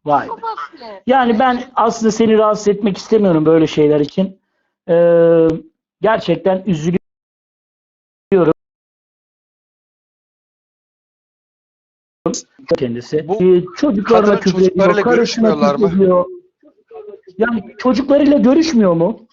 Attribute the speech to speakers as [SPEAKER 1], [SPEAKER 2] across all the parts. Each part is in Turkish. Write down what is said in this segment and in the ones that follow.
[SPEAKER 1] Vay be.
[SPEAKER 2] Çok basit.
[SPEAKER 1] Yani ben aslında seni rahatsız etmek istemiyorum böyle şeyler için. Gerçekten üzülüyorum kendisi.
[SPEAKER 3] Bu
[SPEAKER 1] Çocuklarına
[SPEAKER 3] kadının
[SPEAKER 1] küfür ediyor,
[SPEAKER 3] çocuklarıyla
[SPEAKER 1] karısına
[SPEAKER 3] görüşmüyorlar mı?
[SPEAKER 1] küfür ediyor. Yani çocuklarıyla görüşmüyor mu?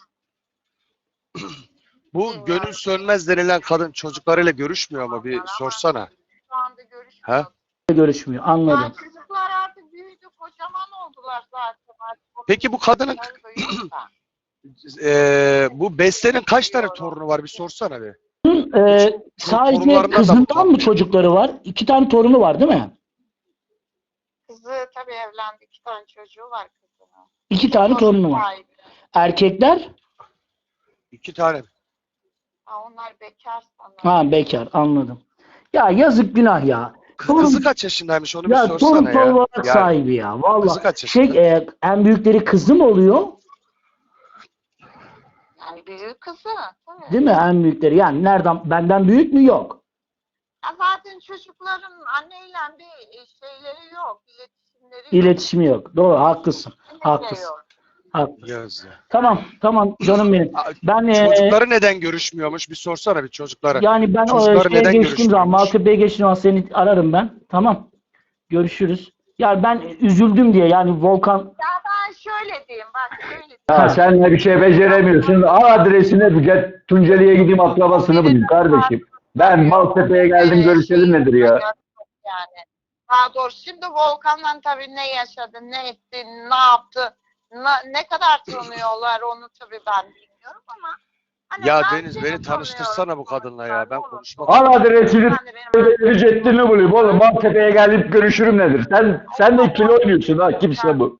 [SPEAKER 3] Bu Gönül Sönmez denilen kadın çocuklarıyla görüşmüyor mu? Bir sorsana.
[SPEAKER 2] Şu anda görüşmüyor.
[SPEAKER 3] Ha?
[SPEAKER 1] Görüşmüyor. Anladım.
[SPEAKER 2] Yani çocuklar artık büyüdü, kocaman oldular zaten. Artık
[SPEAKER 3] Peki bu kadının
[SPEAKER 2] büyüdüler.
[SPEAKER 3] bu Beste'nin kaç tane torunu var? Bir sorsana bir.
[SPEAKER 1] Sadece
[SPEAKER 3] torunlarından da mı
[SPEAKER 1] kızından mı
[SPEAKER 3] utanmıyor?
[SPEAKER 1] çocukları var? 2 tane torunu var değil mi?
[SPEAKER 2] Kızı tabii evlendi. 2 tane çocuğu var kızının.
[SPEAKER 1] 2 tane torunu var.
[SPEAKER 2] Sahibi.
[SPEAKER 1] Erkekler?
[SPEAKER 3] 2 tane.
[SPEAKER 2] Ha, onlar bekar sanırım.
[SPEAKER 1] Ha, bekar, anladım. Ya yazık, günah ya.
[SPEAKER 3] Kızı kaç yaşındaymış onu bir
[SPEAKER 1] Ya torun
[SPEAKER 3] sorsana ya.
[SPEAKER 1] olarak
[SPEAKER 3] Yani
[SPEAKER 1] sahibi ya.
[SPEAKER 3] kızı
[SPEAKER 1] Vallahi
[SPEAKER 3] kaç yaşında?
[SPEAKER 1] en büyükleri kızı mı oluyor?
[SPEAKER 2] Yani büyük kızı. Tabii.
[SPEAKER 1] Değil mi en büyükleri? Yani nereden, benden büyük mü? Yok.
[SPEAKER 2] Ya zaten çocukların anneyle bir şeyleri yok. İletişimleri yok.
[SPEAKER 1] İletişimi yok. Doğru, haklısın.
[SPEAKER 2] Kesinlikle
[SPEAKER 1] Haklısın.
[SPEAKER 2] yok.
[SPEAKER 1] Haklısın.
[SPEAKER 3] Gözde.
[SPEAKER 1] Tamam canım benim. Ben
[SPEAKER 3] Çocukları neden görüşmüyormuş? Bir sorsana bir çocuklara.
[SPEAKER 1] yani ben o
[SPEAKER 3] Çocukları
[SPEAKER 1] şeye
[SPEAKER 3] neden
[SPEAKER 1] geçtiğim zaman,
[SPEAKER 3] görüşmüyormuş?
[SPEAKER 1] Maltepe'ye geçtiğim zaman seni ararım ben. Tamam. Görüşürüz. Yani ben üzüldüm diye, yani Volkan.
[SPEAKER 2] Ya ben şöyle diyeyim, bak şöyle diyeyim.
[SPEAKER 4] Ya sen de bir şey beceremiyorsun. Al adresini, Tunceli'ye gideyim, akrabasını bulayım kardeşim. Ben Maltepe'ye geldim, görüşelim nedir ya?
[SPEAKER 2] Yani. Daha doğrusu şimdi Volkan'la tabii ne yaşadı, ne etti, ne yaptı, ne kadar tanıyorlar onu tabii ben bilmiyorum ama hani
[SPEAKER 3] Ya
[SPEAKER 2] ben
[SPEAKER 3] Deniz
[SPEAKER 2] seni
[SPEAKER 3] beni tanıştırsana
[SPEAKER 2] tanıyorum.
[SPEAKER 3] bu kadınla ya. Ben konuşmak
[SPEAKER 4] Al adresini,
[SPEAKER 2] Yani benim-
[SPEAKER 4] Ceddini bulayım oğlum. Maltepe'ye gelip görüşürüm nedir? Sen de ikili oynuyorsun ha, kimse bu.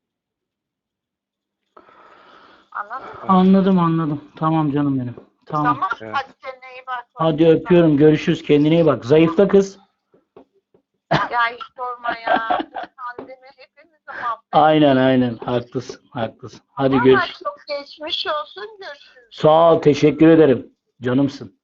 [SPEAKER 2] Anladın mı?
[SPEAKER 1] Anladım. Tamam canım benim. Tamam.
[SPEAKER 2] Tamam.
[SPEAKER 3] Evet.
[SPEAKER 2] Hadi kendine iyi bak.
[SPEAKER 1] Hadi öpüyorum. Görüşürüz. Kendine iyi bak. Zayıfla kız.
[SPEAKER 2] Ya hiç sorma ya. Bu pandemi hepimizi mahvetti.
[SPEAKER 1] Aynen. Haklısın. Hadi
[SPEAKER 2] Ama
[SPEAKER 1] görüşürüz.
[SPEAKER 2] çok geçmiş olsun. Görüşürüz.
[SPEAKER 1] Sağ ol. Teşekkür ederim. Canımsın.